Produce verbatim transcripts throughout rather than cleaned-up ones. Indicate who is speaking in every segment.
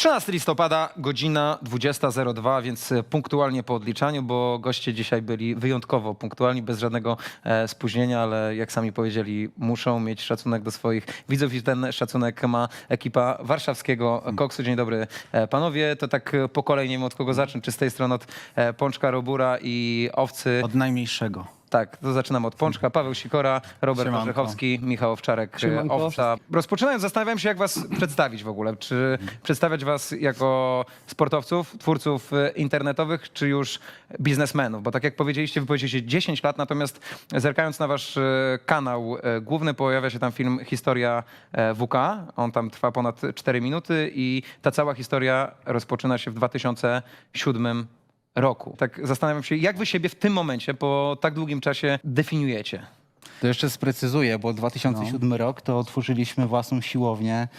Speaker 1: trzynastego listopada, godzina dwudziesta zero dwa, więc punktualnie po odliczaniu, bo goście dzisiaj byli wyjątkowo punktualni, bez żadnego e, spóźnienia, ale jak sami powiedzieli, muszą mieć szacunek do swoich widzów i ten szacunek ma ekipa warszawskiego Koksu. Dzień dobry e, panowie, to tak po kolei, nie wiem od kogo zacząć, czy z tej strony od e, Pączka, Robura i Owcy.
Speaker 2: Od najmniejszego.
Speaker 1: Tak, to zaczynamy od Pączka. Paweł Sikora, Robert
Speaker 2: Siemanko.
Speaker 1: Orzechowski, Michał Owczarek,
Speaker 3: Siemanko.
Speaker 1: Owca. Rozpoczynając, zastanawiam się, jak was przedstawić w ogóle. Czy przedstawiać was jako sportowców, twórców e, internetowych, czy już biznesmenów? Bo tak jak powiedzieliście, wy powiedzieliście dziesięć lat, natomiast zerkając na wasz e, kanał e, główny, pojawia się tam film Historia e, W K. On tam trwa ponad cztery minuty i ta cała historia rozpoczyna się w dwa tysiące siódmym roku. Tak zastanawiam się, jak wy siebie w tym momencie, po tak długim czasie definiujecie?
Speaker 2: To jeszcze sprecyzuję, bo dwa tysiące siódmy rok to otworzyliśmy własną siłownię e,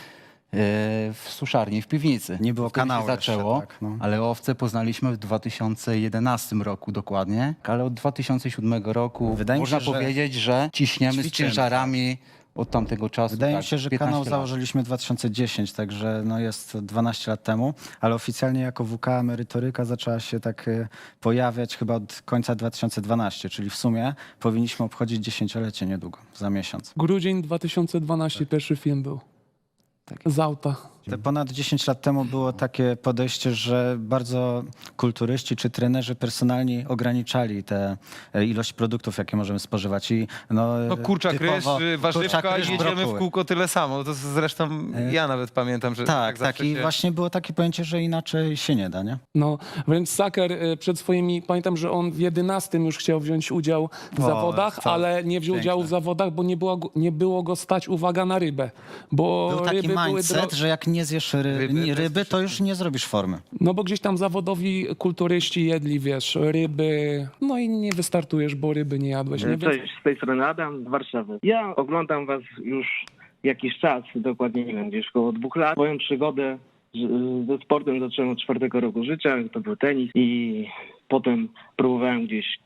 Speaker 2: w suszarni, w piwnicy.
Speaker 4: Nie było
Speaker 2: Wtedy się
Speaker 4: kanału
Speaker 2: zaczęło,
Speaker 4: jeszcze, tak, no.
Speaker 2: ale Owce poznaliśmy w dwa tysiące jedenastym roku dokładnie. Ale od dwa tysiące siódmego roku
Speaker 4: Wydaje mi
Speaker 2: można
Speaker 4: się, że
Speaker 2: powiedzieć, że ciśniemy z
Speaker 4: ćwiczymy,
Speaker 2: ciężarami od tamtego czasu.
Speaker 4: Wydaje mi
Speaker 2: tak,
Speaker 4: się, że
Speaker 2: piętnaście
Speaker 4: kanał
Speaker 2: lat.
Speaker 4: założyliśmy w dwa tysiące dziesiątym, także no jest dwanaście lat temu, ale oficjalnie jako W K merytoryka zaczęła się tak e, pojawiać chyba od końca dwa tysiące dwunastego, czyli w sumie powinniśmy obchodzić dziesięciolecie niedługo, za miesiąc.
Speaker 3: Grudzień dwa tysiące dwunasty pierwszy film był. Z auta.
Speaker 4: Te ponad dziesięć lat temu było takie podejście, że bardzo kulturyści czy trenerzy personalni ograniczali tę e, ilość produktów, jakie możemy spożywać. I, no,
Speaker 1: No kurczak, ryż,
Speaker 4: typowo-
Speaker 1: warzywka
Speaker 4: kurczak,
Speaker 1: i
Speaker 4: ryż,
Speaker 1: jedziemy
Speaker 4: brokuły.
Speaker 1: w kółko tyle samo. To zresztą ja nawet pamiętam, że
Speaker 4: Tak, tak.
Speaker 1: zawsze
Speaker 4: I
Speaker 1: się...
Speaker 4: właśnie było takie pojęcie, że inaczej się nie da, nie?
Speaker 3: No, wręcz Saker y, przed swoimi, pamiętam, że on w jedenastym już chciał wziąć udział w
Speaker 4: O,
Speaker 3: zawodach,
Speaker 4: to
Speaker 3: ale nie wziął
Speaker 4: piękne.
Speaker 3: udziału w zawodach, bo nie było, go- nie było go stać, uwaga, na rybę. Bo
Speaker 4: Był taki
Speaker 3: ryby były
Speaker 4: mindset,
Speaker 3: dro-
Speaker 4: że jak nie zjesz ry
Speaker 1: Ryby,
Speaker 4: ryby,
Speaker 1: to jest
Speaker 4: ryby, to już nie zrobisz formy.
Speaker 3: No bo gdzieś tam zawodowi kulturyści jedli, wiesz, ryby, no i nie wystartujesz, bo ryby nie jadłeś. Nie? Więc
Speaker 5: Cześć, z tej strony Adam z Warszawy. Ja oglądam was już jakiś czas, dokładnie nie wiem, gdzieś około dwóch lat. Moją przygodę z- ze sportem zacząłem od czwartego roku życia, to był tenis i potem próbowałem gdzieś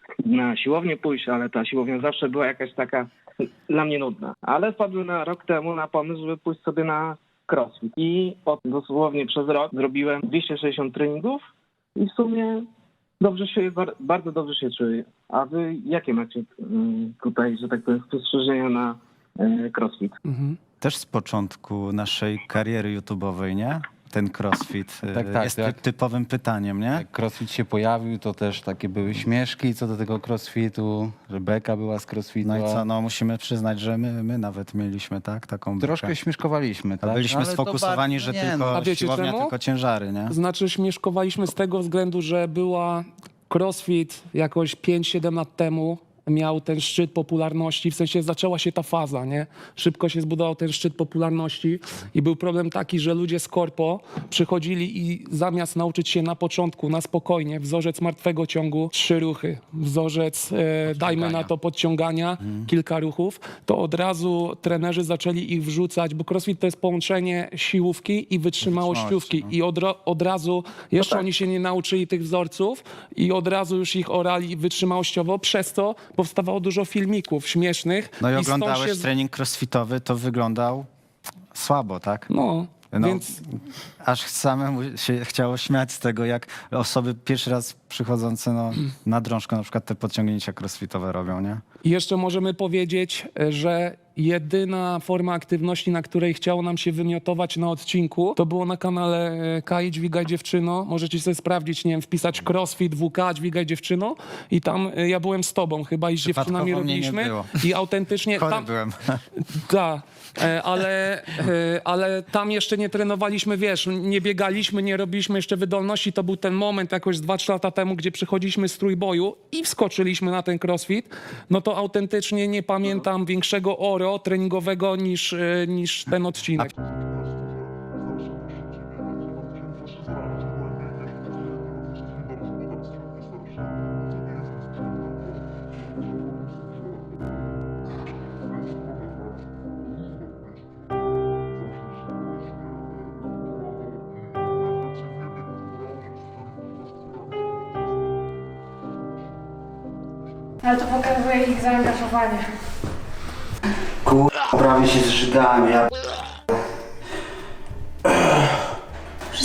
Speaker 5: na siłownię pójść, ale ta siłownia zawsze była jakaś taka dla mnie nudna. Ale wpadłem na rok temu na pomysł, żeby pójść sobie na crossfit i od, dosłownie przez rok zrobiłem dwieście sześćdziesiąt treningów i w sumie dobrze się, bar- bardzo dobrze się czuję. A wy jakie macie mm, tutaj, że tak powiem, spostrzeżenia na e, crossfit?
Speaker 3: mhm.
Speaker 4: Też z początku naszej kariery YouTube'owej, nie? Ten crossfit y,
Speaker 2: Tak, tak,
Speaker 4: jest
Speaker 2: tak.
Speaker 4: ty- typowym pytaniem, nie?
Speaker 2: Jak crossfit się pojawił, to też takie były śmieszki co do tego crossfitu, że Beka była z crossfitu.
Speaker 4: No i
Speaker 2: a
Speaker 4: co, no musimy przyznać, że my, my nawet mieliśmy, tak? Taką
Speaker 2: Troszkę
Speaker 4: bekę.
Speaker 2: śmieszkowaliśmy,
Speaker 4: A
Speaker 2: tak?
Speaker 4: byliśmy
Speaker 2: Ale to
Speaker 4: sfokusowani,
Speaker 2: bardzo-
Speaker 4: że
Speaker 2: nie,
Speaker 4: tylko
Speaker 3: A wiecie
Speaker 4: siłownia,
Speaker 3: czemu?
Speaker 4: tylko ciężary, nie?
Speaker 3: Znaczy śmieszkowaliśmy z tego względu, że była crossfit jakoś pięć siedem lat temu, miał ten szczyt popularności, w sensie zaczęła się ta faza, nie? Szybko się zbudował ten szczyt popularności i był problem taki, że ludzie z korpo przychodzili i zamiast nauczyć się na początku, na spokojnie, wzorzec martwego ciągu, trzy ruchy, wzorzec, e, dajmy na to podciągania, kilka ruchów, to od razu trenerzy zaczęli ich wrzucać, bo crossfit to jest połączenie siłówki i wytrzymałościówki
Speaker 4: Wytrzymałości,
Speaker 3: i od, ro- od razu, jeszcze oni się nie nauczyli tych wzorców i od razu już ich orali wytrzymałościowo, przez to powstawało dużo filmików śmiesznych.
Speaker 4: No i
Speaker 3: stąd
Speaker 4: oglądałeś
Speaker 3: się...
Speaker 4: trening crossfitowy, to wyglądał słabo, tak?
Speaker 3: No,
Speaker 4: No,
Speaker 3: więc
Speaker 4: aż samemu się chciało śmiać z tego, jak osoby pierwszy raz przychodzące no, na drążkę na przykład te podciągnięcia crossfitowe robią, nie?
Speaker 3: jeszcze możemy powiedzieć, że jedyna forma aktywności, na której chciało nam się wymiotować na odcinku, to było na kanale e, Kai Dźwigaj Dziewczyno. Możecie sobie sprawdzić, nie wiem, wpisać crossfit W K Dźwigaj Dziewczyno i tam e, ja byłem z tobą chyba i z dziewczynami
Speaker 4: Przypadkowo mnie nie
Speaker 3: robiliśmy
Speaker 4: było.
Speaker 3: i autentycznie
Speaker 4: Chory
Speaker 3: tam...
Speaker 4: byłem.
Speaker 3: Tak, e, ale, e, ale tam jeszcze nie trenowaliśmy, wiesz, nie biegaliśmy, nie robiliśmy jeszcze wydolności. To był ten moment jakoś z dwa trzy lata temu, gdzie przychodziliśmy z trójboju i wskoczyliśmy na ten crossfit. No to autentycznie nie pamiętam większego oro treningowego niż, e, niż ten odcinek.
Speaker 6: Ale to pokazuje ich zaangażowanie.
Speaker 7: Prawie się zżygałem, ja...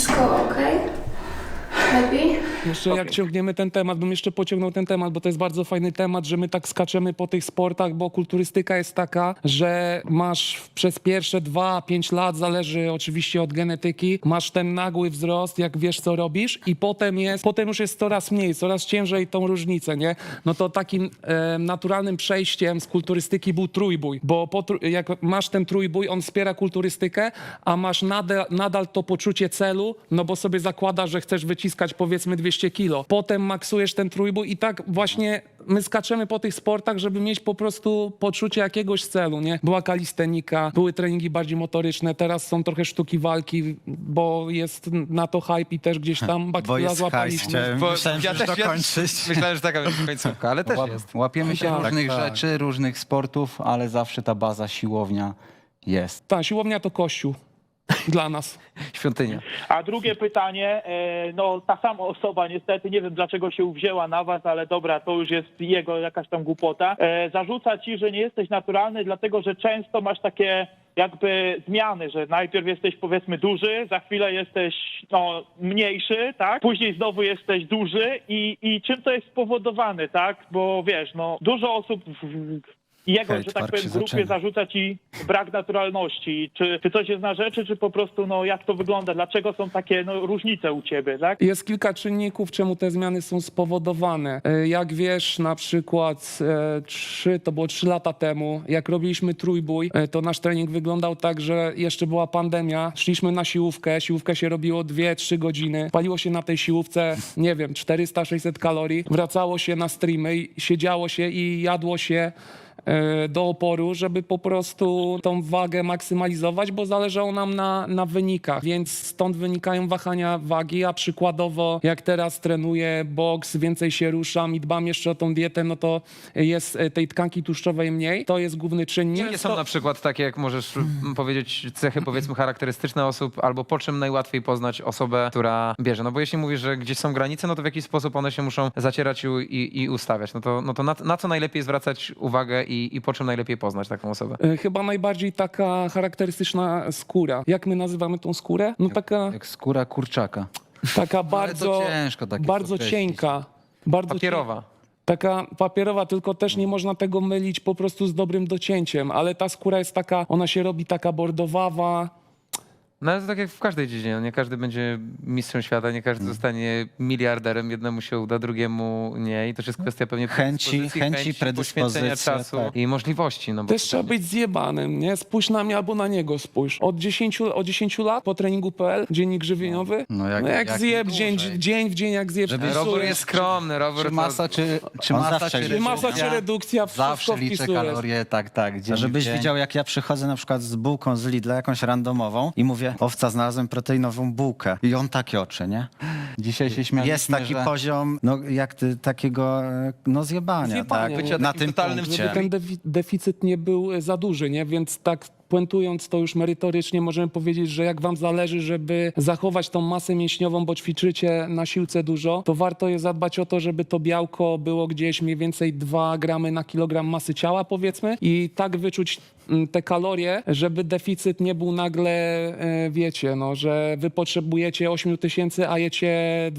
Speaker 3: Jeszcze jak ciągniemy ten temat, bym jeszcze pociągnął ten temat, bo to jest bardzo fajny temat, że my tak skaczemy po tych sportach, bo kulturystyka jest taka, że masz przez pierwsze dwa, pięć lat, zależy oczywiście od genetyki, masz ten nagły wzrost, jak wiesz co robisz i potem jest, potem już jest coraz mniej, coraz ciężej tą różnicę, nie? No to takim e, naturalnym przejściem z kulturystyki był trójbój, bo po, tr- jak masz ten trójbój, on wspiera kulturystykę, a masz nadal, nadal to poczucie celu, no bo sobie zakładasz, że chcesz wyciskać powiedzmy dwieście kilo. Potem maksujesz ten trójbój i tak właśnie my skaczemy po tych sportach, żeby mieć po prostu poczucie jakiegoś celu, nie? Była kalistenika, były treningi bardziej motoryczne, teraz są trochę sztuki walki, bo jest na to hype i też gdzieś tam
Speaker 4: Bo
Speaker 3: bakteria
Speaker 4: jest hajs,
Speaker 3: złapaliśmy.
Speaker 4: chciałem,
Speaker 1: Bo
Speaker 4: myślałem, że już dokończyć.
Speaker 1: Myślałem, że taka będzie końcówka, ale też
Speaker 2: Łap,
Speaker 1: jest.
Speaker 2: łapiemy się
Speaker 3: Tak,
Speaker 2: różnych
Speaker 4: tak.
Speaker 2: rzeczy, różnych sportów, ale zawsze ta baza siłownia jest.
Speaker 3: Ta siłownia to kościół dla nas.
Speaker 1: Świątynia.
Speaker 7: A drugie pytanie, e, no ta sama osoba niestety, nie wiem dlaczego się uwzięła na was, ale dobra, to już jest jego jakaś tam głupota. E, zarzuca ci, że nie jesteś naturalny, dlatego że często masz takie jakby zmiany, że najpierw jesteś powiedzmy duży, za chwilę jesteś no, mniejszy, tak? Później znowu jesteś duży i, i czym to jest spowodowane, tak? Bo wiesz, no dużo osób w, jego,
Speaker 4: Hejt,
Speaker 7: że tak
Speaker 4: park
Speaker 7: powiem,
Speaker 4: się
Speaker 7: grupie
Speaker 4: zaczyna.
Speaker 7: zarzuca ci brak naturalności. Czy, czy coś jest na rzeczy, czy po prostu, no jak to wygląda? Dlaczego są takie no, różnice u ciebie, tak?
Speaker 3: Jest kilka czynników, czemu te zmiany są spowodowane. E, Jak wiesz, na przykład e, trzy, to było trzy lata temu, jak robiliśmy trójbój, e, to nasz trening wyglądał tak, że jeszcze była pandemia, szliśmy na siłówkę, siłówkę się robiło dwie trzy godziny, paliło się na tej siłówce, nie wiem, czterysta sześćset kalorii, wracało się na streamy, i siedziało się i jadło się e, do oporu, żeby po prostu tą wagę maksymalizować, bo zależało nam na, na wynikach, więc stąd wynikają wahania wagi, a przykładowo jak teraz trenuję boks, więcej się ruszam i dbam jeszcze o tą dietę, no to jest e, tej tkanki tłuszczowej mniej, to jest główny czynnik.
Speaker 1: Jakie są na przykład takie, jak możesz mm, powiedzieć, cechy powiedzmy charakterystyczne osób, albo po czym najłatwiej poznać osobę, która bierze? No bo jeśli mówisz, że gdzieś są granice, no to w jakiś sposób one się muszą zacierać i, i, i ustawiać. No to, no to na, na co najlepiej zwracać uwagę i, i po czym najlepiej poznać taką osobę?
Speaker 3: E, Chyba najbardziej taka charakterystyczna skóra. Jak my nazywamy tą skórę? No taka,
Speaker 2: Jak skóra kurczaka.
Speaker 3: taka
Speaker 2: ale to
Speaker 3: bardzo,
Speaker 2: ciężko takie
Speaker 3: bardzo
Speaker 2: określić.
Speaker 3: cienka. Bardzo
Speaker 1: Papierowa.
Speaker 3: Taka papierowa, tylko też nie można tego mylić po prostu z dobrym docięciem, ale ta skóra jest taka, ona się robi taka bordowawa.
Speaker 1: No ale to tak jak w każdej dziedzinie, no nie każdy będzie mistrzem świata, nie każdy zostanie miliarderem, jednemu się uda, drugiemu nie i to jest kwestia pewnie
Speaker 4: Chęci,
Speaker 1: predyspozycji,
Speaker 4: chęci,
Speaker 1: poświęcenia
Speaker 4: predyspozycja,
Speaker 1: czasu
Speaker 4: tak.
Speaker 1: i możliwości. No bo
Speaker 3: Też trzeba być zjebanym, nie? Spójrz na mnie albo na niego spójrz. Od dziesięciu, od dziesięciu lat po treningu kropka p l, dziennik żywieniowy,
Speaker 2: No
Speaker 3: no
Speaker 2: jak-
Speaker 3: jak,
Speaker 2: jak
Speaker 3: zjeb
Speaker 2: nie
Speaker 3: dzień,
Speaker 2: dłużej.
Speaker 3: dzień w dzień, jak zjeb
Speaker 2: Żeby
Speaker 1: Robert
Speaker 3: wpisujesz.
Speaker 1: jest skromny, Robert
Speaker 2: Czy masa, czy, czy
Speaker 4: On
Speaker 2: masa,
Speaker 4: zawsze
Speaker 2: czy
Speaker 4: źle
Speaker 3: Czy masa,
Speaker 2: redukcja?
Speaker 3: czy redukcja, wszystko
Speaker 2: Zawsze liczę
Speaker 3: wpisujesz.
Speaker 2: kalorie, tak, tak. dzień
Speaker 4: A żebyś
Speaker 2: w dzień.
Speaker 4: widział, jak ja przychodzę na przykład z bułką z Lidla, jakąś randomową i mówię, owca, znalazłem proteinową bułkę. I on takie oczy, nie?
Speaker 2: Dzisiaj się śmialiśmy,
Speaker 4: Jest taki
Speaker 2: że...
Speaker 4: poziom, no jak ty, takiego, e, no zjebania,
Speaker 3: Zjebania,
Speaker 4: tak?
Speaker 3: bycia
Speaker 4: Na
Speaker 1: takim
Speaker 4: tym
Speaker 1: totalnym
Speaker 4: punkcie.
Speaker 3: Żeby ten defi- deficyt nie był e, za duży, nie? Więc tak puentując to już merytorycznie, możemy powiedzieć, że jak wam zależy, żeby zachować tą masę mięśniową, bo ćwiczycie na siłce dużo, to warto jest zadbać o to, żeby to białko było gdzieś mniej więcej dwa gramy na kilogram masy ciała, powiedzmy, i tak wyczuć mm, te kalorie, żeby deficyt nie był nagle, e, wiecie, no, że wy potrzebujecie osiem tysięcy, a jecie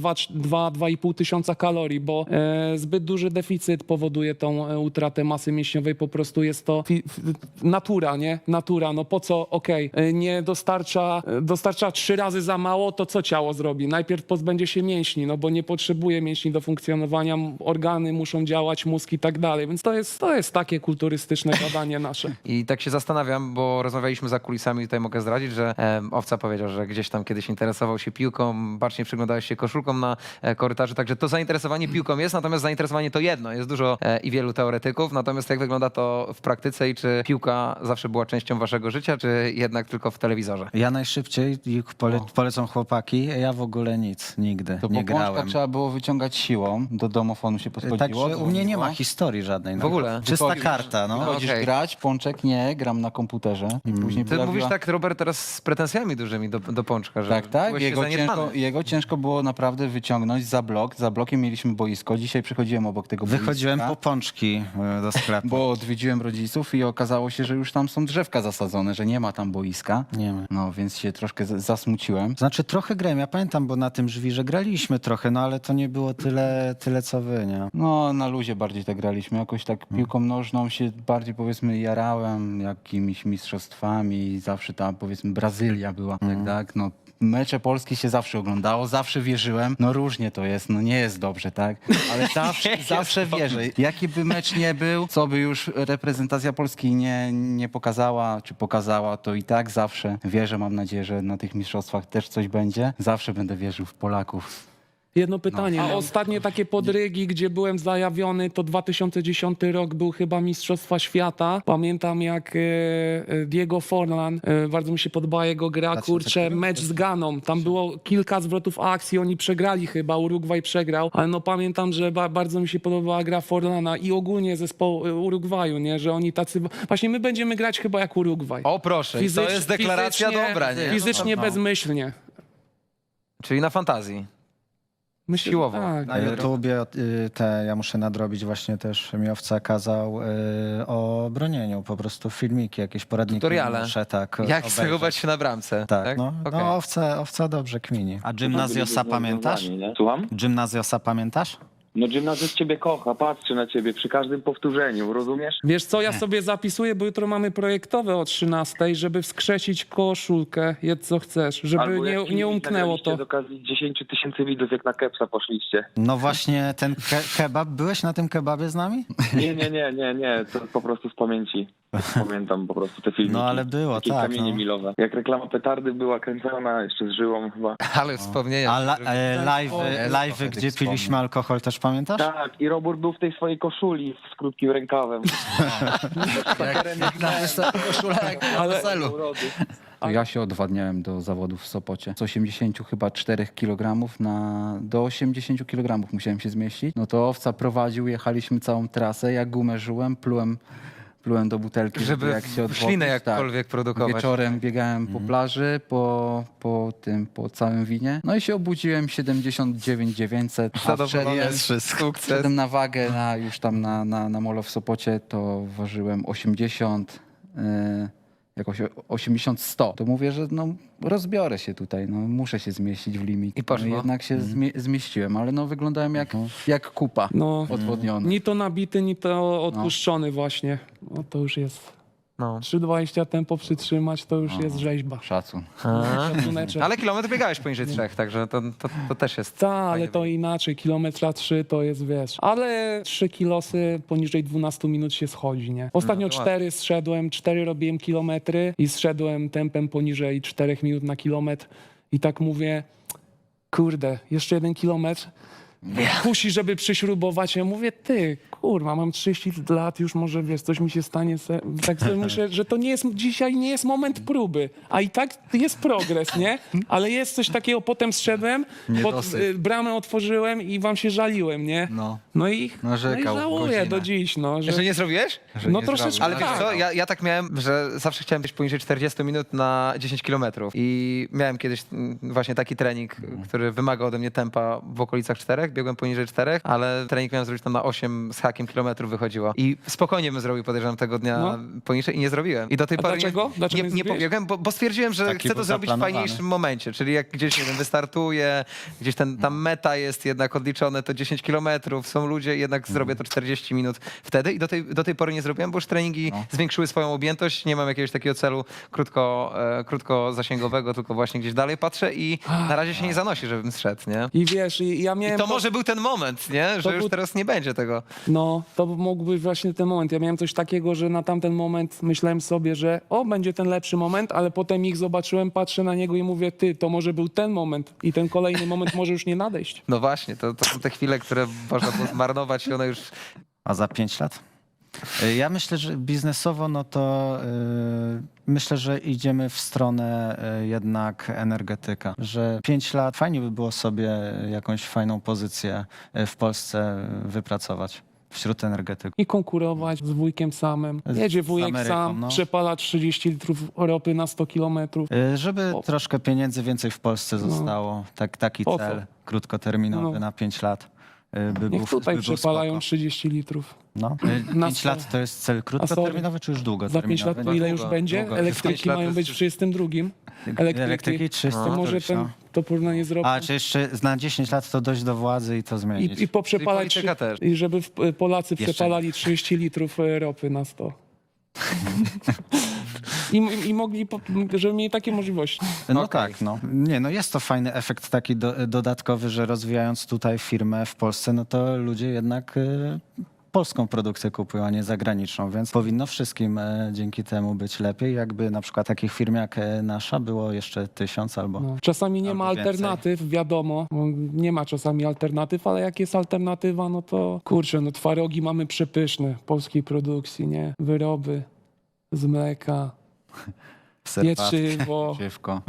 Speaker 3: dwa do pół tysiąca kalorii, bo e, zbyt duży deficyt powoduje tą e, utratę masy mięśniowej, po prostu jest to fi- f- natura, nie? Natura, no po co, okej, e, nie dostarcza, e, dostarcza trzy razy za mało, to co ciało zrobi? Najpierw pozbędzie się mięśni, no bo nie potrzebuje mięśni do funkcjonowania, m- organy muszą działać, mózg i tak dalej, więc to jest, to jest takie kulturystyczne gadanie nasze.
Speaker 1: I tak się zastanawiam, bo rozmawialiśmy za kulisami, tutaj mogę zdradzić, że em, Owca powiedział, że gdzieś tam kiedyś interesował się piłką, bacznie przyglądałeś się koszulką na e, korytarzu, także to zainteresowanie piłką jest, natomiast zainteresowanie to jedno, jest dużo e, i wielu teoretyków, natomiast jak wygląda to w praktyce i czy piłka zawsze była częścią waszego życia, czy jednak tylko w telewizorze?
Speaker 4: Ja najszybciej, ich pole, polecą chłopaki, ja w ogóle nic, nigdy
Speaker 2: To
Speaker 4: nie
Speaker 2: po pączka
Speaker 4: grałem.
Speaker 2: trzeba było wyciągać siłą, do domofonu się podchodziło.
Speaker 4: Także u mnie nie ma
Speaker 2: dzwoniło.
Speaker 4: historii żadnej. No.
Speaker 1: W ogóle?
Speaker 4: Czysta
Speaker 2: Wychodzisz-
Speaker 4: karta, no.
Speaker 2: Wychodzisz
Speaker 1: Okej.
Speaker 2: grać, pączek nie Nie, gram na komputerze. I później
Speaker 1: Ty
Speaker 2: pojawiła...
Speaker 1: mówisz tak, Robert, teraz z pretensjami dużymi do, do Pączka, że
Speaker 2: Tak, tak.
Speaker 1: byłeś się
Speaker 2: Jego ciężko,
Speaker 1: zaniedbany.
Speaker 2: jego ciężko było naprawdę wyciągnąć za blok. Za blokiem mieliśmy boisko. Dzisiaj przychodziłem obok tego
Speaker 4: Wychodziłem
Speaker 2: boiska,
Speaker 4: po pączki y, do sklepu.
Speaker 2: bo odwiedziłem rodziców i okazało się, że już tam są drzewka zasadzone, że nie ma tam boiska.
Speaker 4: Nie ma.
Speaker 2: No, więc się troszkę z- zasmuciłem.
Speaker 4: Znaczy trochę grałem, ja pamiętam, bo na tym żwirze graliśmy trochę, no ale to nie było tyle, tyle co wy, nie?
Speaker 2: No, na luzie bardziej tak graliśmy. Jakoś tak piłką nożną się bardziej, powiedzmy, jarałem jakimiś mistrzostwami. Zawsze tam, powiedzmy, Brazylia była, tak, tak. No, mecze Polski się zawsze oglądało, zawsze wierzyłem. No różnie to jest, no nie jest dobrze, tak? Ale zawsze, zawsze wierzę. Jaki by mecz nie był, co by już reprezentacja Polski nie, nie pokazała, czy pokazała, to i tak zawsze wierzę. Mam nadzieję, że na tych mistrzostwach też coś będzie. Zawsze będę wierzył w Polaków.
Speaker 3: Jedno pytanie. A ostatnie takie podrygi, gdzie byłem zajawiony, to dwa tysiące dziesiąty rok był chyba Mistrzostwa Świata. Pamiętam jak e, e, Diego Forlan, e, bardzo mi się podoba jego gra, kurczę, mecz z Ganą. Tam było kilka zwrotów akcji, oni przegrali chyba, Urugwaj przegrał, ale no pamiętam, że ba, bardzo mi się podobała gra Forlana i ogólnie zespołu e, Urugwaju, nie, że oni tacy... Właśnie my będziemy grać chyba jak Urugwaj.
Speaker 1: O proszę, i to
Speaker 3: Fizycz-
Speaker 1: jest deklaracja
Speaker 3: fizycznie-
Speaker 1: dobra, nie?
Speaker 3: Fizycznie
Speaker 1: No.
Speaker 3: bezmyślnie.
Speaker 1: Czyli na fantazji.
Speaker 3: Myślę,
Speaker 1: Siłowo.
Speaker 3: Tak.
Speaker 4: Na YouTubie y, te, ja muszę nadrobić właśnie też, mi owca kazał y, o bronieniu, po prostu filmiki, jakieś poradniki.
Speaker 1: Tutoriale.
Speaker 4: Muszę tak
Speaker 1: Jak
Speaker 4: obejrzeć.
Speaker 1: zachować się na bramce.
Speaker 4: Tak,
Speaker 1: Tak,
Speaker 4: no,
Speaker 1: Okej.
Speaker 4: no owca, owca dobrze kmini. A Gymnazjosa pamiętasz?
Speaker 8: Nie? Słucham?
Speaker 4: Gymnazjosa pamiętasz?
Speaker 8: No gimnazjus ciebie kocha, patrzy na ciebie przy każdym powtórzeniu, rozumiesz?
Speaker 3: Wiesz co, ja sobie zapisuję, bo jutro mamy projektowe o trzynastej, żeby wskrzesić koszulkę, jedz co chcesz, żeby
Speaker 8: Albo jak
Speaker 3: nie,
Speaker 8: filmik
Speaker 3: nie umknęło
Speaker 8: nagraliście
Speaker 3: to.
Speaker 8: z okazji dziesięć tysięcy widzów, jak na kepsa poszliście.
Speaker 4: No właśnie ten ke kebab, byłeś na tym kebabie z nami?
Speaker 8: Nie, nie, nie, nie, nie, to po prostu z pamięci. Pamiętam po prostu te filmiki.
Speaker 4: No ale było,
Speaker 8: Takie
Speaker 4: tak.
Speaker 8: kamienie
Speaker 4: No.
Speaker 8: milowe. Jak reklama petardy była kręcona jeszcze z żyłą chyba.
Speaker 1: Ale wspomnienia.
Speaker 4: A la, e, live,
Speaker 2: jest
Speaker 4: live
Speaker 2: trochę
Speaker 4: gdzie
Speaker 2: tych
Speaker 4: piliśmy
Speaker 2: wspomnień.
Speaker 4: alkohol, też pamiętasz?
Speaker 8: Tak, i Robur był w tej swojej koszuli z krótkim rękawem.
Speaker 3: Ale
Speaker 8: Urody.
Speaker 2: Ja się odwadniałem do zawodów w Sopocie. Z osiemdziesięciu chyba czterech kilogramów na do osiemdziesięciu kilogramów musiałem się zmieścić. No to owca prowadził, jechaliśmy całą trasę, ja gumę żyłem, plułem, plułem do butelki, żeby,
Speaker 1: Żeby
Speaker 2: jak się odwodnić.
Speaker 1: ślinę jakkolwiek produkować.
Speaker 2: Wieczorem biegałem po plaży, po, po tym, po całym winie. No i się obudziłem siedemdziesiąt dziewięć dziewięćset, a
Speaker 1: Zadowolony
Speaker 2: wszedłem,
Speaker 1: z sukces.
Speaker 2: wszedłem na wagę na, już tam na, na, na molo w Sopocie, to ważyłem osiemdziesiąt, yy, jakoś o- osiemdziesiąt sto. To mówię, że no rozbiorę się tutaj, no muszę się zmieścić w limit.
Speaker 1: I poszło.
Speaker 2: No, jednak się zmie- zmieściłem, ale no wyglądałem jak, jak kupa
Speaker 3: no,
Speaker 2: odwodniona.
Speaker 3: ni to nabity, ni to odpuszczony właśnie. No to już jest.
Speaker 1: No.
Speaker 3: trzy dwadzieścia tempo przytrzymać, to już jest rzeźba.
Speaker 2: Szacun.
Speaker 3: Szacuneczek.
Speaker 1: Ale kilometr biegałeś poniżej trzech, także to, to, to też jest.
Speaker 3: Tak, ale
Speaker 1: fajnie.
Speaker 3: to inaczej, kilometra trzy to jest, wiesz. Ale trzy kilosy poniżej dwunastu minut się schodzi, nie? Ostatnio
Speaker 1: No to
Speaker 3: cztery zszedłem, cztery robiłem kilometry i zszedłem tempem poniżej czterech minut na kilometr i tak mówię, kurde, jeszcze jeden kilometr. Kusi, żeby przyśrubować. Ja mówię, ty, kurwa, mam trzydzieści lat, już może, wiesz, coś mi się stanie. Se... Tak sobie myślę, że to nie jest, dzisiaj nie jest moment próby, a i tak jest progres, nie? Ale jest coś takiego, potem zszedłem, pod,
Speaker 2: Niedosyt.
Speaker 3: y, bramę otworzyłem i wam się żaliłem, nie?
Speaker 2: No.
Speaker 3: No i, no i
Speaker 2: Narzekał
Speaker 3: żałuję
Speaker 2: godzinę.
Speaker 3: do dziś, no. Że...
Speaker 1: Jeszcze nie zrobiłeś?
Speaker 2: Że
Speaker 3: No
Speaker 2: nie
Speaker 3: troszeczkę
Speaker 2: zrobił.
Speaker 1: Ale wiesz
Speaker 3: tak.
Speaker 1: co, ja, ja tak miałem, że zawsze chciałem być poniżej czterdziestu minut na dziesięć kilometrów i miałem kiedyś mm, właśnie taki trening, który wymagał ode mnie tempa w okolicach czterech, biegłem poniżej czterech, ale trening miałem zrobić tam na osiem z hakiem kilometrów wychodziło i spokojnie bym zrobił, podejrzewam, tego dnia
Speaker 3: No.
Speaker 1: poniżej i nie zrobiłem. I do tej
Speaker 3: A
Speaker 1: pory
Speaker 3: dlaczego?
Speaker 1: nie,
Speaker 3: Dlaczego
Speaker 1: nie,
Speaker 3: nie
Speaker 1: nie
Speaker 3: zrobiłeś?
Speaker 1: pobiegłem, bo, bo stwierdziłem, że
Speaker 4: Taki
Speaker 1: chcę to
Speaker 4: był
Speaker 1: zrobić w
Speaker 4: zaplanowany.
Speaker 1: fajniejszym momencie, czyli jak gdzieś, nie wiem, wystartuję, gdzieś ten, ta meta jest jednak odliczone, to dziesięć kilometrów, są ludzie, jednak zrobię to czterdzieści minut wtedy i do tej, do tej pory nie zrobiłem, bo już treningi
Speaker 2: No.
Speaker 1: zwiększyły swoją objętość, nie mam jakiegoś takiego celu krótko, e, krótko zasięgowego, tylko właśnie gdzieś dalej patrzę i na razie się nie zanosi, żebym zszedł, nie?
Speaker 3: I wiesz, i ja miałem...
Speaker 1: I to może był ten moment, nie? Że
Speaker 3: to
Speaker 1: już
Speaker 3: był-
Speaker 1: teraz nie będzie tego.
Speaker 3: No, to mógł być właśnie ten moment. Ja miałem coś takiego, że na tamten moment myślałem sobie, że o, będzie ten lepszy moment, ale potem ich zobaczyłem, patrzę na niego i mówię, ty, to może był ten moment i ten kolejny moment może już nie nadejść.
Speaker 1: No właśnie, to, to są te chwile, które można było zmarnować i one już...
Speaker 4: A za pięć lat? Y, Ja myślę, że biznesowo, no to y, myślę, że idziemy w stronę y, jednak energetyka. Że pięć lat fajnie by było sobie jakąś fajną pozycję y, w Polsce wypracować. wśród energetyków.
Speaker 3: I konkurować z wujkiem samym.
Speaker 4: Z-
Speaker 3: Jedzie
Speaker 4: z
Speaker 3: wujek
Speaker 4: Ameryką,
Speaker 3: sam,
Speaker 4: no.
Speaker 3: przepala trzydzieści litrów ropy na sto kilometrów.
Speaker 4: Y, Żeby
Speaker 3: O.
Speaker 4: troszkę pieniędzy więcej w Polsce zostało. Tak, taki
Speaker 3: Po co?
Speaker 4: cel krótkoterminowy
Speaker 3: No.
Speaker 4: na pięć lat. y, By
Speaker 3: Niech
Speaker 4: był,
Speaker 3: tutaj
Speaker 4: by był
Speaker 3: przepalają
Speaker 4: spoko.
Speaker 3: trzydzieści litrów.
Speaker 4: No.
Speaker 3: Na
Speaker 4: pięć
Speaker 3: sto.
Speaker 4: lat to jest cel krótkoterminowy, czy już
Speaker 3: Za
Speaker 4: długoterminowy?
Speaker 3: pięć lat to ile już
Speaker 1: długo,
Speaker 3: będzie?
Speaker 1: długo.
Speaker 3: Elektryki
Speaker 1: pięć lat
Speaker 3: mają
Speaker 1: jest
Speaker 3: być w
Speaker 1: już-
Speaker 3: trzydziestym drugim. Elektryki.
Speaker 4: Elektryki trzysta.
Speaker 3: To może ten, to porównanie zrobić.
Speaker 4: A, czy jeszcze na dziesięć lat to dojść do władzy i to zmienić?
Speaker 3: I, i poprzepalać,
Speaker 1: Czyli polityka
Speaker 3: trzy- i żeby w, Polacy
Speaker 4: Jeszcze
Speaker 3: przepalali trzydzieści litrów e, ropy na sto. I, i, I mogli, po- żeby mieli takie możliwości.
Speaker 4: No
Speaker 1: Okej.
Speaker 4: tak, no. Nie, no jest to fajny efekt taki do, dodatkowy, że rozwijając tutaj firmę w Polsce, no to ludzie jednak y, polską produkcję kupują, a nie zagraniczną, więc powinno wszystkim e, dzięki temu być lepiej, jakby na przykład takich firm jak e, nasza było jeszcze tysiąc albo...
Speaker 3: No. Czasami nie ma
Speaker 4: Albo więcej.
Speaker 3: alternatyw, wiadomo. bo Nie ma czasami alternatyw, ale jak jest alternatywa, no to kurczę, no twarogi mamy przepyszne polskiej produkcji, nie? Wyroby z mleka,
Speaker 4: serwatki,
Speaker 3: pieczywo.
Speaker 2: Dziewko.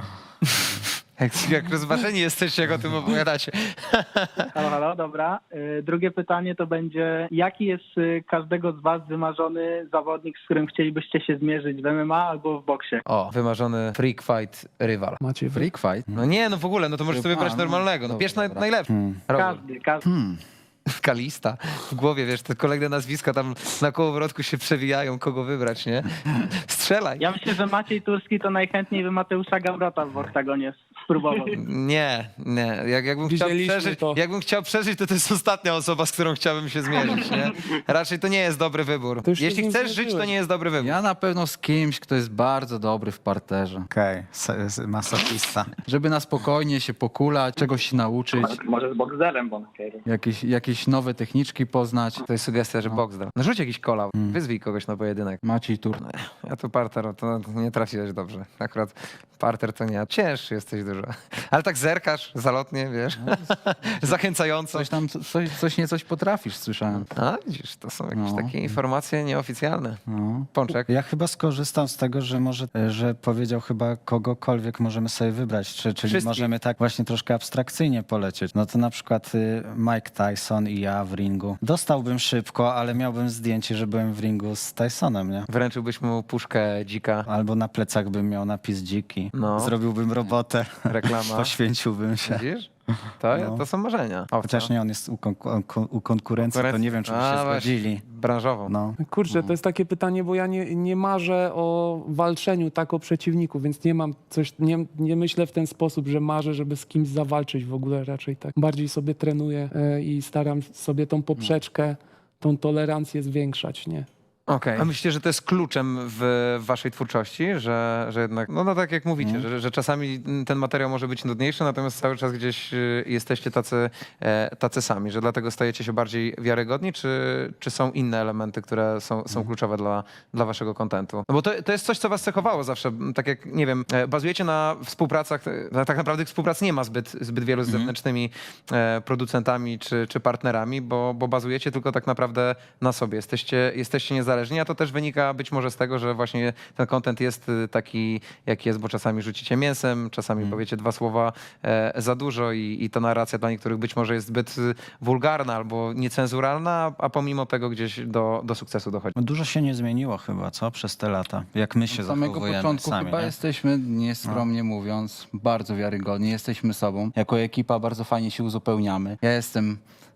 Speaker 1: Jak, jak rozważeni jesteście, jak o tym opowiadacie.
Speaker 9: Halo, halo, dobra. Y, Drugie pytanie to będzie, jaki jest y, każdego z was wymarzony zawodnik, z którym chcielibyście się zmierzyć w M M A albo w boksie?
Speaker 1: O, wymarzony freak fight rywal.
Speaker 3: Macie wy...
Speaker 2: Freak fight?
Speaker 1: No nie, no w ogóle, no to możesz sobie
Speaker 2: A,
Speaker 1: wybrać
Speaker 2: no,
Speaker 1: normalnego. No
Speaker 2: dobra,
Speaker 1: bierz naj,
Speaker 2: dobra.
Speaker 1: najlepszy.
Speaker 4: Hmm.
Speaker 1: Robert.
Speaker 9: Każdy, każdy.
Speaker 4: Hmm.
Speaker 1: Kalista. W głowie, wiesz, te kolejne nazwiska tam na kołowrotku się przewijają, kogo wybrać, nie? Strzelaj.
Speaker 9: Ja myślę, że Maciej Turski to najchętniej by Mateusza Gamrota w oktagonie spróbował.
Speaker 1: Nie, nie. Jak, jakbym, chciał
Speaker 3: Widzieliśmy
Speaker 1: przeżyć,
Speaker 3: to.
Speaker 1: jakbym chciał przeżyć, to to jest ostatnia osoba, z którą chciałbym się zmierzyć, nie? Raczej to nie jest dobry wybór.
Speaker 3: To już się
Speaker 1: Jeśli
Speaker 3: z nim
Speaker 1: chcesz żyć, to
Speaker 3: zmierzyłeś.
Speaker 1: nie jest dobry wybór.
Speaker 2: Ja na pewno z kimś, kto jest bardzo dobry w parterze.
Speaker 4: Okej, okay. Masochista.
Speaker 2: Żeby na spokojnie się pokulać, czegoś się nauczyć,
Speaker 5: Może z Boxerem, bo
Speaker 2: jakieś, jakieś nowe techniczki poznać.
Speaker 1: To jest sugestia, że boks dał. No rzuć jakiś kola, wyzwij kogoś na pojedynek.
Speaker 2: Maciej Tur.
Speaker 1: Ja tu parter, to nie trafiłeś dobrze. Akurat parter to nie. Cięższy jesteś dużo. Ale tak zerkasz zalotnie, wiesz, zachęcająco.
Speaker 2: Coś tam, coś, coś nie coś potrafisz, słyszałem.
Speaker 1: A widzisz, to są jakieś
Speaker 2: No.
Speaker 1: takie informacje nieoficjalne.
Speaker 2: No.
Speaker 1: Pączek.
Speaker 4: Ja chyba skorzystam z tego, że może, że powiedział chyba kogokolwiek możemy sobie wybrać, czy, czyli
Speaker 1: Wszystkich.
Speaker 4: możemy tak właśnie troszkę abstrakcyjnie polecieć. No to na przykład y, Mike Tyson i ja w ringu. Dostałbym szybko, ale miałbym zdjęcie, że byłem w ringu z Tysonem, nie?
Speaker 1: Wręczyłbyś mu puszkę dzika,
Speaker 4: Albo na plecach bym miał napis dziki.
Speaker 1: No.
Speaker 4: Zrobiłbym robotę.
Speaker 1: reklama.
Speaker 4: Poświęciłbym się.
Speaker 1: Widzisz? To,
Speaker 4: No.
Speaker 1: to są marzenia. Owca.
Speaker 4: Chociaż nie, on jest u, konku- u konkurencji, to nie wiem, czy by
Speaker 1: A,
Speaker 4: się
Speaker 1: właśnie,
Speaker 4: zgodzili.
Speaker 1: Branżową.
Speaker 4: No.
Speaker 3: Kurczę, to jest takie pytanie, bo ja nie, nie marzę o walczeniu tak o przeciwniku, więc nie mam coś, nie, nie myślę w ten sposób, że marzę, żeby z kimś zawalczyć w ogóle raczej tak. Bardziej sobie trenuję e, i staram sobie tą poprzeczkę, tą tolerancję zwiększać, nie?
Speaker 1: Okej. A myślicie, że to jest kluczem w, w waszej twórczości, że, że jednak, no, no tak jak mówicie, że, że czasami ten materiał może być nudniejszy, natomiast cały czas gdzieś y, jesteście tacy, e, tacy sami, że dlatego stajecie się bardziej wiarygodni, czy, czy są inne elementy, które są, są kluczowe dla, dla waszego kontentu? No bo to, to jest coś, co was cechowało zawsze, tak jak, nie wiem, e, bazujecie na współpracach, e, tak naprawdę współprac nie ma zbyt, zbyt wielu z zewnętrznymi e, producentami czy, czy partnerami, bo, bo bazujecie tylko tak naprawdę na sobie, jesteście, jesteście niezależni, a to też wynika być może z tego, że właśnie ten content jest y, taki, jaki jest, bo czasami rzucicie mięsem, czasami powiecie dwa słowa e, za dużo i, i ta narracja dla niektórych być może jest zbyt y, wulgarna albo niecenzuralna, a pomimo tego gdzieś do, do sukcesu dochodzi.
Speaker 4: Dużo się nie zmieniło chyba, co? Przez te lata. Jak my się
Speaker 2: Od samego
Speaker 4: zachowujemy
Speaker 2: początku
Speaker 4: sami,
Speaker 2: chyba
Speaker 4: nie?
Speaker 2: jesteśmy, nieskromnie mówiąc, bardzo wiarygodni. Jesteśmy sobą. Jako ekipa bardzo fajnie się uzupełniamy. Ja jestem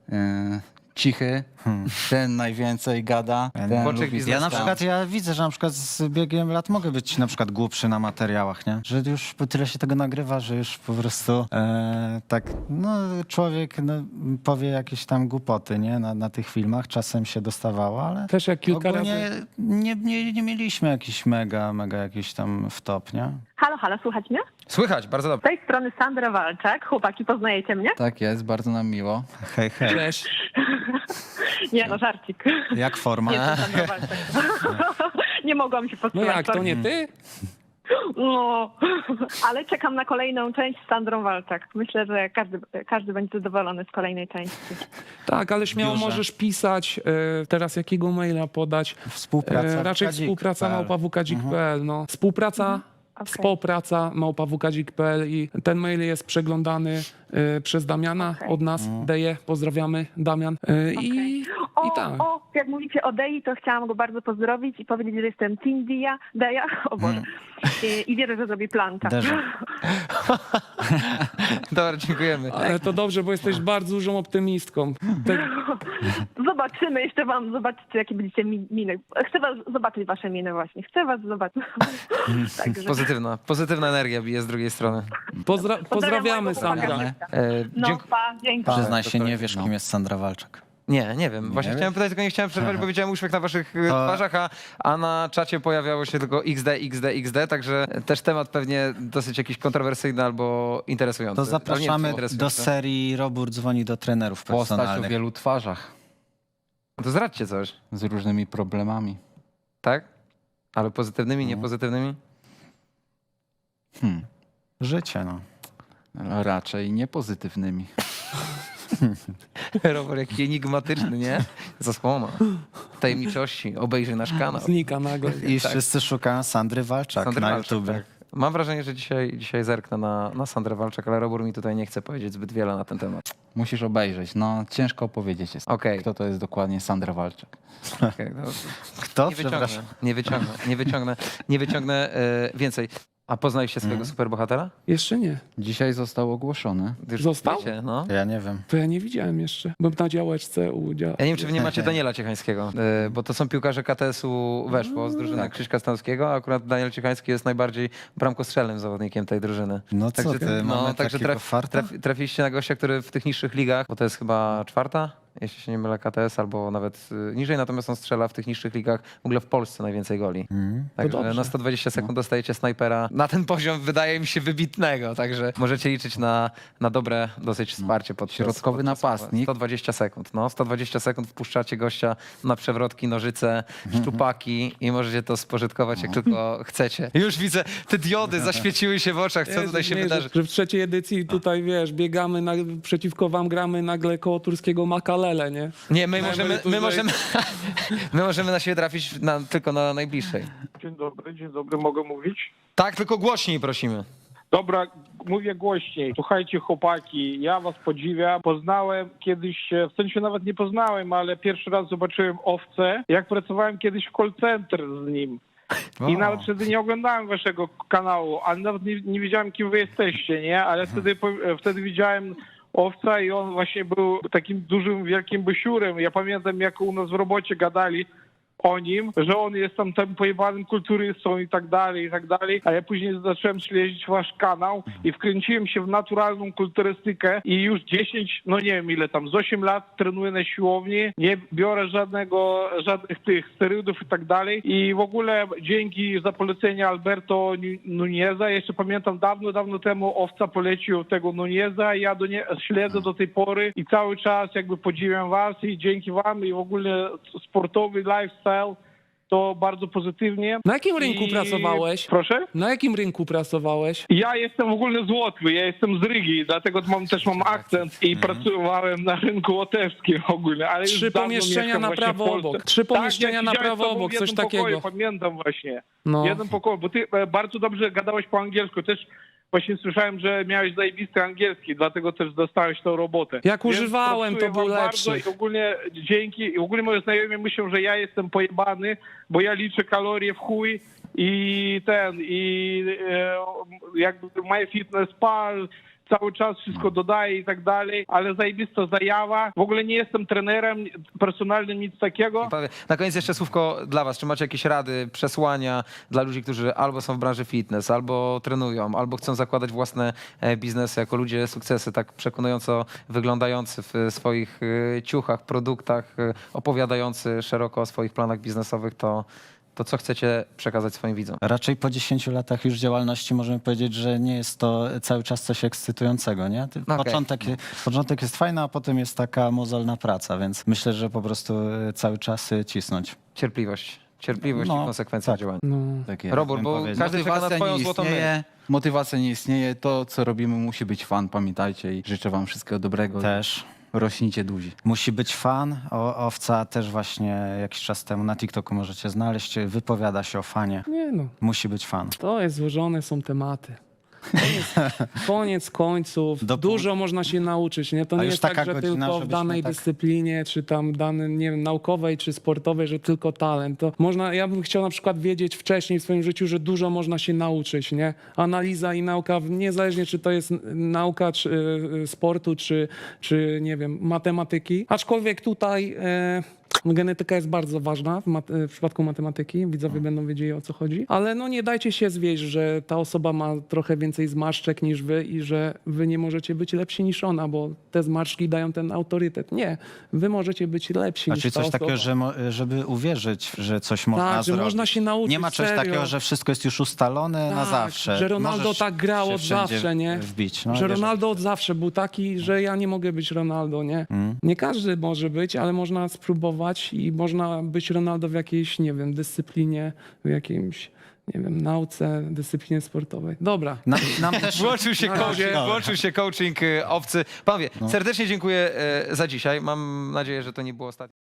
Speaker 2: e, cichy, ten najwięcej gada,
Speaker 4: Ja
Speaker 2: ten
Speaker 1: Pączek
Speaker 2: lubi
Speaker 1: biznes-
Speaker 4: Ja na
Speaker 2: zostać.
Speaker 4: przykład, ja widzę, że na przykład z biegiem lat mogę być na przykład głupszy na materiałach, nie? Że już tyle się tego nagrywa, że już po prostu e, tak, no człowiek no, powie jakieś tam głupoty, nie? Na, na tych filmach czasem się dostawało, ale
Speaker 3: Też jak kilka
Speaker 4: ogólnie
Speaker 3: razy...
Speaker 4: nie, nie, nie mieliśmy jakichś mega, mega jakiś tam wtop, nie?
Speaker 10: Halo, halo, słuchać mnie?
Speaker 1: Słychać, bardzo
Speaker 10: Z
Speaker 1: dobrze.
Speaker 10: tej strony Sandra Walczak. Chłopaki, poznajecie mnie?
Speaker 2: Tak jest, bardzo nam miło.
Speaker 4: Hej, hej.
Speaker 3: Cześć.
Speaker 10: Nie, no żarcik.
Speaker 4: Jak forma?
Speaker 10: Nie, to Sandra Walczak. Nie mogłam się
Speaker 3: No
Speaker 10: powstrzymać.
Speaker 3: jak, to nie ty?
Speaker 10: No, ale czekam na kolejną część z Sandrą Walczak. Myślę, że każdy, każdy będzie zadowolony z kolejnej części.
Speaker 3: Tak, ale śmiało
Speaker 4: Biurze.
Speaker 3: możesz pisać, e, teraz jakiego maila podać.
Speaker 4: Współpraca.
Speaker 3: E, raczej
Speaker 4: wkadzik
Speaker 3: współpraca
Speaker 4: kropka p l.
Speaker 3: małpa w k dzik kropka p l. No. Współpraca,
Speaker 10: Okej.
Speaker 3: współpraca małpa w k dzik kropka p l i ten mail jest przeglądany e, przez Damiana
Speaker 10: Okej.
Speaker 3: od nas. Deje, pozdrawiamy Damian. E, I
Speaker 10: o,
Speaker 3: I tak.
Speaker 10: o, jak mówicie o Dei, to chciałam go bardzo pozdrowić i powiedzieć, że jestem Team Dia, Deja, o Boże. I, I wierzę, że zrobi planta.
Speaker 4: Derze.
Speaker 1: Dobra, dziękujemy.
Speaker 3: Ale to dobrze, bo jesteś bardzo dużą optymistką. Tak,
Speaker 10: Zobaczymy, jeszcze wam zobaczycie, jakie będziecie mi- miny. Chcę was zobaczyć wasze miny właśnie. Chcę was zobaczyć. Także
Speaker 1: Pozytywna, pozytywna energia bije z drugiej strony.
Speaker 3: pozdra pozdrawiamy,
Speaker 10: mojego
Speaker 3: Sandra.
Speaker 10: chłopaka.
Speaker 1: E,
Speaker 10: No,
Speaker 1: dzięk-
Speaker 10: pa, dzięki.
Speaker 4: Przyznaj się,
Speaker 1: to-
Speaker 4: nie wiesz,
Speaker 2: no.
Speaker 4: kim jest Sandra Walczak.
Speaker 1: Nie, nie wiem. Właśnie
Speaker 4: wiesz?
Speaker 1: chciałem pytać, tylko nie chciałem przerwać, bo widziałem uśmiech na waszych e,
Speaker 4: To-
Speaker 1: twarzach, a, a na czacie pojawiało się tylko X D, X D, X D, także też temat pewnie dosyć jakiś kontrowersyjny albo interesujący.
Speaker 4: To
Speaker 1: Ale nie,
Speaker 4: zapraszamy
Speaker 1: czy interesujący.
Speaker 4: do serii Robur dzwoni do trenerów
Speaker 2: Postać o
Speaker 4: personalnych.
Speaker 2: wielu twarzach
Speaker 1: To zdradźcie coś,
Speaker 2: z różnymi problemami.
Speaker 1: tak? Ale pozytywnymi,
Speaker 4: No.
Speaker 1: niepozytywnymi?
Speaker 4: Hmm. Życie, no.
Speaker 2: Ale raczej niepozytywnymi.
Speaker 1: Robert jaki enigmatyczny, nie? Zasłona. Tajemniczości. Obejrzyj nasz kanał.
Speaker 3: Znika nagle.
Speaker 4: I wszyscy szukają Sandry Walczak
Speaker 1: Sandry
Speaker 4: na
Speaker 1: Walczak,
Speaker 4: YouTube.
Speaker 1: tak. Mam wrażenie, że dzisiaj, dzisiaj zerknę na, na Sandrę Walczak, ale Robur mi tutaj nie chce powiedzieć zbyt wiele na ten temat.
Speaker 2: Musisz obejrzeć. No, ciężko opowiedzieć jest.
Speaker 1: Okej.
Speaker 2: Kto to jest dokładnie Sandra Walczak.
Speaker 1: Okej, no,
Speaker 4: Kto?
Speaker 1: nie wyciągnę,
Speaker 4: Przepraszam.
Speaker 1: nie wyciągnę, nie wyciągnę, nie wyciągnę e, więcej. A poznaliście swojego
Speaker 4: Mhm.
Speaker 1: superbohatera?
Speaker 3: Jeszcze nie.
Speaker 2: Dzisiaj został ogłoszony.
Speaker 1: Już
Speaker 3: Został?
Speaker 1: wiecie, no.
Speaker 4: Ja nie wiem.
Speaker 3: To ja nie widziałem jeszcze. Byłem na działeczce u dzia...
Speaker 1: Ja nie wiem, czy wy nie macie Daniela Ciechańskiego, e, bo to są piłkarze K T S-u weszło z drużyny Krzyśka Stanowskiego, a akurat Daniel Ciechański jest najbardziej bramkostrzelnym zawodnikiem tej drużyny.
Speaker 4: No co
Speaker 1: Także,
Speaker 4: ty,
Speaker 1: no,
Speaker 4: mamy
Speaker 1: także
Speaker 4: takiego
Speaker 1: traf,
Speaker 4: farta?
Speaker 1: traf, trafiliście na gościa, który w tych niższych ligach, bo to jest chyba czwarta, jeśli się nie mylę, K T S, albo nawet y, niżej, natomiast on strzela w tych niższych ligach w ogóle w Polsce najwięcej goli.
Speaker 4: Mhm.
Speaker 1: Także
Speaker 3: dobrze.
Speaker 1: na sto dwadzieścia sekund dostajecie snajpera. Na ten poziom wydaje mi się wybitnego, także możecie liczyć na, na dobre dosyć wsparcie podczas
Speaker 2: Środkowy
Speaker 1: podczas-
Speaker 2: napastnik.
Speaker 1: sto dwadzieścia sekund, no. sto dwadzieścia sekund wpuszczacie gościa na przewrotki, nożyce, szczupaki i możecie to spożytkować jak tylko chcecie. Już widzę, te diody zaświeciły się w oczach, co
Speaker 3: Jezu,
Speaker 1: tutaj się
Speaker 3: nie,
Speaker 1: wydarzy.
Speaker 3: Że w trzeciej edycji tutaj, wiesz, biegamy na, przeciwko wam, gramy nagle koło turskiego Makalele, nie?
Speaker 1: Nie, my
Speaker 3: Na
Speaker 1: możemy, my
Speaker 3: emeryturze.
Speaker 1: możemy, my możemy na siebie trafić na, tylko na najbliższej.
Speaker 11: Dzień dobry, dzień dobry, mogę mówić?
Speaker 1: Tak, tylko głośniej prosimy.
Speaker 11: Dobra, mówię głośniej. Słuchajcie, chłopaki, ja was podziwiam. Poznałem kiedyś, e, w sensie nawet nie poznałem, ale pierwszy raz zobaczyłem Owcę, jak pracowałem kiedyś w call center z nim. I
Speaker 1: O.
Speaker 11: nawet wtedy nie oglądałem waszego kanału, ale nawet nie, nie wiedziałem, kim wy jesteście, nie? Ale wtedy, po- e, wtedy widziałem Owca i on właśnie był takim dużym, wielkim bysiurem. Ja pamiętam, jak u nas w robocie gadali o nim, że on jest tam tym pojebanym kulturystą i tak dalej, i tak dalej, a ja później zacząłem śledzić wasz kanał i wkręciłem się w naturalną kulturystykę i już dziesięć, no nie wiem ile tam, z osiem lat trenuję na siłowni, nie biorę żadnego, żadnych tych sterydów i tak dalej i w ogóle dzięki za polecenie Alberto Nuneza, jeszcze pamiętam dawno, dawno temu Owca polecił tego Nuneza i ja do nie, śledzę do tej pory i cały czas jakby podziwiam was i dzięki wam i w ogóle sportowy lifestyle to bardzo pozytywnie.
Speaker 3: Na jakim rynku
Speaker 11: I-
Speaker 3: pracowałeś?
Speaker 11: Proszę?
Speaker 3: Na jakim rynku pracowałeś?
Speaker 11: Ja jestem w ogóle z Łotwy, ja jestem z Rygi, dlatego mam, też mam akcent i pracowałem na rynku łotewskim w ogóle. Ale już
Speaker 3: Trzy
Speaker 11: dawno
Speaker 3: pomieszczenia
Speaker 11: mieszkam
Speaker 3: na
Speaker 11: właśnie w
Speaker 3: prawo
Speaker 11: Polsce.
Speaker 3: obok. Trzy
Speaker 11: Tak,
Speaker 3: pomieszczenia
Speaker 11: ja
Speaker 3: na
Speaker 11: siedziałem z
Speaker 3: prawo
Speaker 11: tobą
Speaker 3: obok,
Speaker 11: w
Speaker 3: coś
Speaker 11: jednym
Speaker 3: takiego.
Speaker 11: Pokoju, pamiętam właśnie.
Speaker 3: No.
Speaker 11: W jednym pokoju, bo ty e, bardzo dobrze gadałeś po angielsku, też właśnie słyszałem, że miałeś zajebisty angielski, dlatego też dostałeś tą robotę.
Speaker 3: Jak
Speaker 11: Więc
Speaker 3: używałem, to
Speaker 11: pracuję
Speaker 3: był
Speaker 11: wam
Speaker 3: lepszy.
Speaker 11: bardzo I ogólnie dzięki, i ogólnie moi znajomi myślą, że ja jestem pojebany, bo ja liczę kalorie w chuj i ten, i e, jakby MyFitnessPal cały czas wszystko dodaje i tak dalej, ale zajebista zajawa. W ogóle nie jestem trenerem personalnym, nic takiego.
Speaker 1: Panowie, na koniec jeszcze słówko dla was. Czy macie jakieś rady, przesłania dla ludzi, którzy albo są w branży fitness, albo trenują, albo chcą zakładać własne e, biznesy jako ludzie sukcesy, tak przekonująco wyglądający w swoich e, ciuchach, produktach, e, opowiadający szeroko o swoich planach biznesowych, to, to co chcecie przekazać swoim widzom?
Speaker 4: Raczej po dziesięciu latach już działalności możemy powiedzieć, że nie jest to cały czas coś ekscytującego, nie? Ty-
Speaker 1: Okej.
Speaker 4: Początek, początek jest fajny, a potem jest taka mozolna praca, więc myślę, że po prostu e, cały czas e, cisnąć.
Speaker 1: Cierpliwość. Cierpliwość
Speaker 4: No,
Speaker 1: i konsekwencja
Speaker 4: tak.
Speaker 1: działania.
Speaker 3: No.
Speaker 2: Tak jest.
Speaker 1: Robór,
Speaker 4: bym
Speaker 1: bo
Speaker 4: powiedział.
Speaker 1: każdy czeka na
Speaker 2: Motywacja
Speaker 1: twoją
Speaker 2: nie
Speaker 1: złotą
Speaker 2: istnieje.
Speaker 1: myśl.
Speaker 2: Motywacja nie istnieje. To, co robimy, musi być fan, pamiętajcie i życzę wam wszystkiego dobrego.
Speaker 4: Też.
Speaker 2: Rośnijcie duzi.
Speaker 4: Musi być fan. O, Owca też właśnie jakiś czas temu na TikToku możecie znaleźć. Wypowiada się o fanie.
Speaker 3: Nie no,
Speaker 4: Musi być fan.
Speaker 3: to jest złożone, są tematy. Koniec końców,
Speaker 4: Do-
Speaker 3: dużo można się nauczyć, nie? To
Speaker 4: A
Speaker 3: nie
Speaker 4: już
Speaker 3: jest
Speaker 4: taka
Speaker 3: tak, że
Speaker 4: godzina,
Speaker 3: tylko w
Speaker 4: żebyśmy
Speaker 3: danej
Speaker 4: tak-
Speaker 3: dyscyplinie, czy tam danej, nie wiem, naukowej, czy sportowej, że tylko talent. To można, ja bym chciał na przykład wiedzieć wcześniej w swoim życiu, że dużo można się nauczyć, nie? Analiza i nauka, niezależnie czy to jest nauka czy, y, sportu, czy, czy nie wiem, matematyki. Aczkolwiek tutaj e, genetyka jest bardzo ważna w, mat- w przypadku matematyki. Widzowie będą wiedzieli, o co chodzi. Ale no nie dajcie się zwieść, że ta osoba ma trochę więcej zmarszczek niż wy i że wy nie możecie być lepsi niż ona, bo te zmarszczki dają ten autorytet. Nie, wy możecie być lepsi
Speaker 4: A
Speaker 3: niż
Speaker 4: czy
Speaker 3: ta
Speaker 4: coś
Speaker 3: osoba.
Speaker 4: takiego, że mo- żeby uwierzyć, że coś można
Speaker 3: Tak, że
Speaker 4: zrobić?
Speaker 3: można się nauczyć,
Speaker 4: Nie ma czegoś
Speaker 3: serio.
Speaker 4: takiego, że wszystko jest już ustalone na
Speaker 3: Tak,
Speaker 4: zawsze.
Speaker 3: że Ronaldo
Speaker 4: Możesz
Speaker 3: tak grał
Speaker 4: się
Speaker 3: od
Speaker 4: wszędzie
Speaker 3: zawsze, nie?
Speaker 4: Wbić. No,
Speaker 3: że
Speaker 4: jeżeli-
Speaker 3: Ronaldo od zawsze był taki, że ja nie mogę być Ronaldo, nie?
Speaker 4: Mm.
Speaker 3: Nie każdy może być, ale można spróbować i można być Ronaldo w jakiejś, nie wiem, dyscyplinie, w jakimś, nie wiem, nauce, dyscyplinie sportowej. Dobra.
Speaker 4: Nam, nam też...
Speaker 1: Włączył się,
Speaker 3: Na
Speaker 1: coaching,
Speaker 3: razie.
Speaker 1: włączył się coaching y, owcy. Panowie, serdecznie dziękuję y, za dzisiaj. Mam nadzieję, że to nie było ostatnie.